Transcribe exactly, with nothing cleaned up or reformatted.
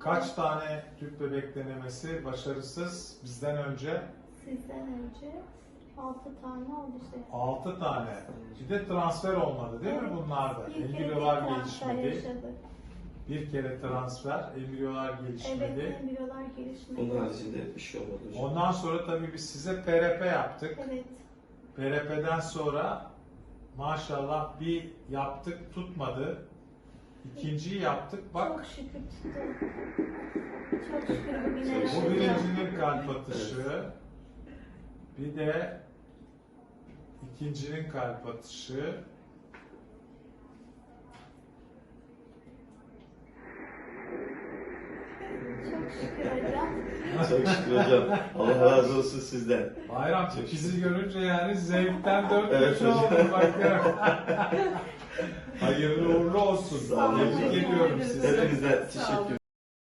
Kaç tane tüp bebek denemesi başarısız bizden önce? Sizden önce altı tane oldu işte. altı tane. Bir de transfer olmadı değil mi Evet. bunlarda? Bir kere Embriyolar bir transfer gelişmedi. yaşadık. Bir kere transfer, embriyolar Evet, gelişmedi. embriyolar gelişmedi. Onun haricinde bir şey olmadı hocam. Ondan sonra tabii biz size P R P yaptık. Evet. P R P'den sonra maşallah bir yaptık tutmadı. İkinciyi yaptık bak. Çok şükür tuttu. Çok şükür bugüne Bu yaşadık. birincinin kalp atışı. Bir de ikincinin kalp atışı. Çok şükür hocam. Çok şükür hocam. Allah razı olsun sizden. Bayram Çok bizi görünce yani zevkten dört Evet köşe hocam. oldu bakıyorum. Hayırlı uğurlu olsun. Sağ olun. Tebrik hocam. ediyorum sizi. Hepinizden Sağ olun. teşekkür